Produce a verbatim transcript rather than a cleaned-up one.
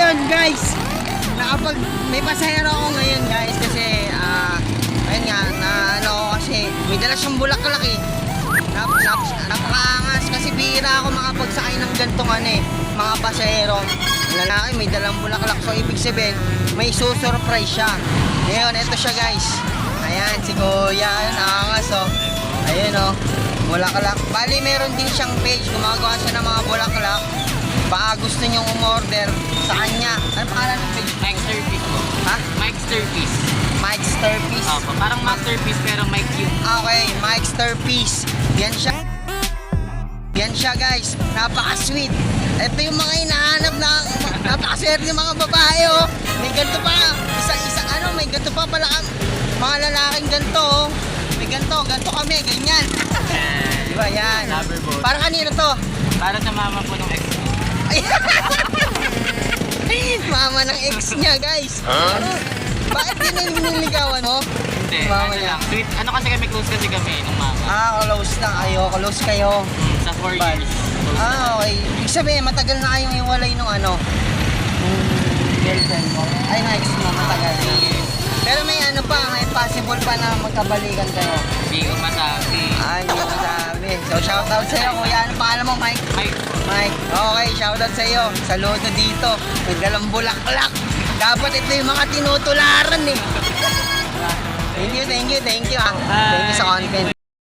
ayun guys, nakapag may pasahero ako ngayon guys kasi ah uh, ayun nga na ano ako kasi may dala siyang bulaklak eh. Nap, nap, napakaangas kasi bihira ako makapagsakay ng gantong ano eh, mga pasahero. Lalaki may dalang bulaklak, so ibig sabihin may susurprise siya. Ngayon ito siya guys. Ayan si Kuya, ayun angas oh. Ayun oh, bulaklak. Bali meron din siyang page, gumagawa siya ng mga bulaklak. Baka gusto nyong umorder sa kanya. Ano pangalan ng page? Mike Sturpiece po. Ha? Mike Sturpiece. Mike Sturpiece. Opo, parang masterpiece pero Mike yung... Okay, Mike Sturpiece. Yan siya. Yan siya guys. Napaka-sweet. Ito yung mga hinahanap na napakaswerte yung mga babae oh. May ganito pa. Isa-isa ano, may ganito pa pala ang mga lalaking ganito oh. May ganito, ganito kami, ganyan. Diba yan? Loverboat. Parang kanino to? Para sa mama po ng ex ko. Mama ng ex niya guys. Huh? Ano? Bakit yun yung niligawan mo? Hindi, Mama ano niya. lang. Sweet. Ano kasi kami, close kasi kami ng mama. Ah, close na kayo. Close kayo. Hmm, sa four Bad. years. Close na. Ah, okay. Ibig sabihin, matagal na kayong iwalay nung ano? Nung girlfriend mo? Ay, na ex mo, matagal na. Pero may ano pa, may possible pa na magkabalikan kayo. Hindi ko masabi. Ah, hindi ko masabi. So, shoutout sa'yo, kuya. Ano pangalan mo, Mike? Mike. Mike, okay, shoutout sa'yo. Saludo dito. May dalang bulaklak. Dapat ito yung mga tinutularan eh. Thank you, thank you, thank you ah. Thank you sa content.